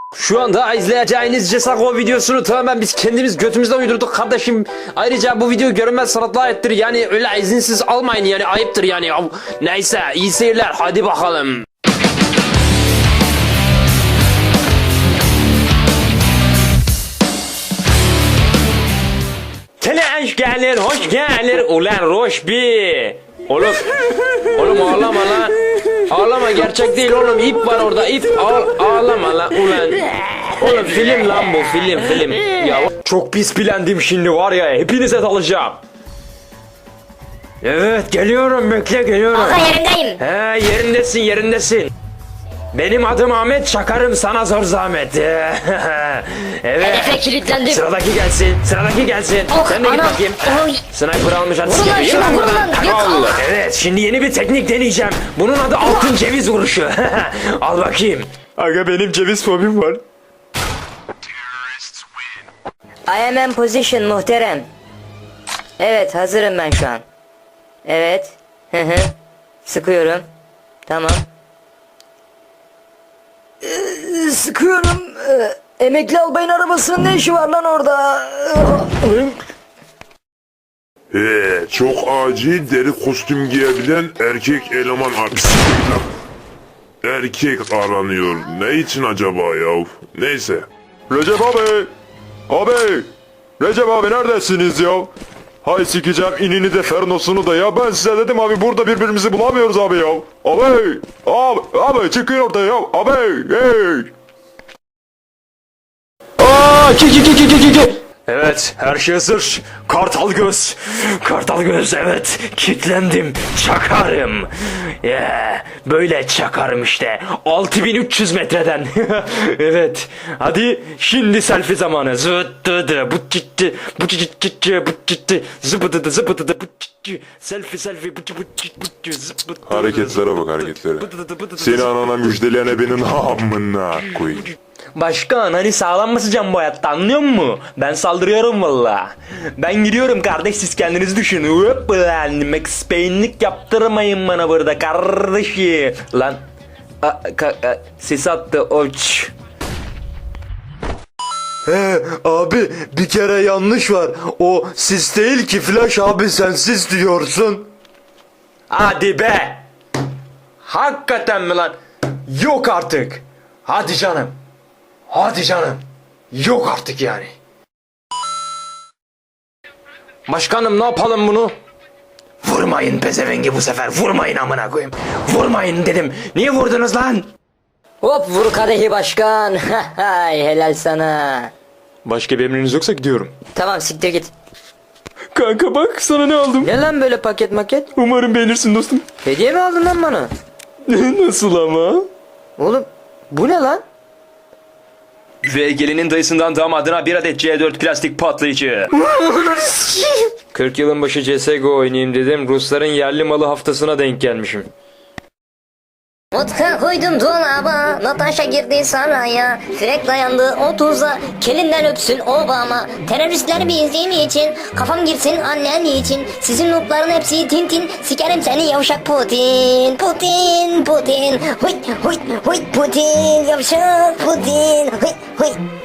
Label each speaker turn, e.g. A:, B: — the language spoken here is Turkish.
A: Şu anda izleyeceğiniz CSGO videosunu tamamen biz kendimiz götümüzden uydurduk kardeşim. Ayrıca bu video görünmez sanatla aittir. Yani öyle izinsiz almayın, yani ayıptır yani. Neyse, iyi seyirler, hadi bakalım. Hoş geldin, hoş geldin. Ulan Roşbi. Oğlum ağlama lan. Ağlama, gerçek değil oğlum, ip var orada, ip. Ağlama lan ulan. Oğlum film lan bu, film. Ya çok pis bilendim şimdi var ya, hepinize dalacağım. Evet geliyorum, bekle geliyorum.
B: Aga yerindeyim.
A: He yerindesin. Benim adım Ahmet, çakarım sana zor zahmet. Evet.
B: Hedefe kilitlendim.
A: Sıradaki gelsin.
B: Oh,
A: Sen de git
B: anam.
A: bakayım.
B: Oy.
A: Sniper almış, hadi
B: Vurun lan
A: sikeyim.
B: şuna, vurun lan.
A: Allah. Evet, şimdi yeni bir teknik deneyeceğim. Bunun adı altın ceviz vuruşu. Al bakayım. Aga benim ceviz fobim var.
B: I am in position muhterem. Evet, hazırım ben şu an. Evet. Sıkıyorum. Tamam. Sıkıyorum. Emekli albayın arabasının ne işi var lan orada?
C: Çok acil deri kostüm giyebilen erkek eleman erkek aranıyor. Ne için acaba ya? Neyse.
D: Recep abi, Recep abi neredesiniz ya? Hay sikeceğim inini de fernosunu da ya. Ben size dedim abi, burada birbirimizi bulamıyoruz abi ya. Abi çıkın ortaya ya. Abi, hey.
A: Ki. Evet, her şey hazır. Kartal göz, evet. Kitlendim, çakarım. Böyle çakarım işte. 6300 metreden. Evet, hadi şimdi selfie zamanı. Zıtıdı, bu çitti, zıbıdıdı, selfie,
C: Hareketlere bak, hareketlere. Seni anana müjdeleyen ebenin amına koyayım.
A: Başkan, hani sağlam mısın bu hayatta, anlıyor musun? Ben saldırıyorum valla. Ben gidiyorum kardeş, siz kendiniz düşünün. Hop lan, Max Payne'lik yaptırmayın bana burada kardeşim. Lan sis attı oç.
D: Abi bir kere yanlış var. O sis değil ki Flash abi, sen sis diyorsun.
A: Hadi be. Hakikaten mi lan? Yok artık. Hadi canım. Yok artık yani. Başkanım, ne yapalım bunu? Vurmayın pezevengi bu sefer. Vurmayın amına koyayım. Vurmayın dedim. Niye vurdunuz lan?
B: Hop, vur kadehi başkan. Hay helal sana.
A: Başka bir emriniz yoksa gidiyorum.
B: Tamam, siktir git.
A: Kanka bak, sana ne aldım.
B: Ne lan böyle paket maket?
A: Umarım beğenirsin dostum.
B: Hediye mi aldın lan bana?
A: Nasıl ama?
B: Oğlum bu ne lan?
A: Ve gelinin dayısından damadına bir adet C4 plastik patlayıcı. 40 yılın başı CSGO oynayayım dedim. Rusların yerli malı haftasına denk gelmişim.
E: Vodka koydum dolaba, Natasha girdi saraya, Frek dayandı 30'a, kelinden öpsün Obama. Teröristler bizim için, kafam girsin annen için, sizin lootların hepsi tintin, sikerim seni yavşak Putin. Putin, huy Putin, yavşak Putin, huy.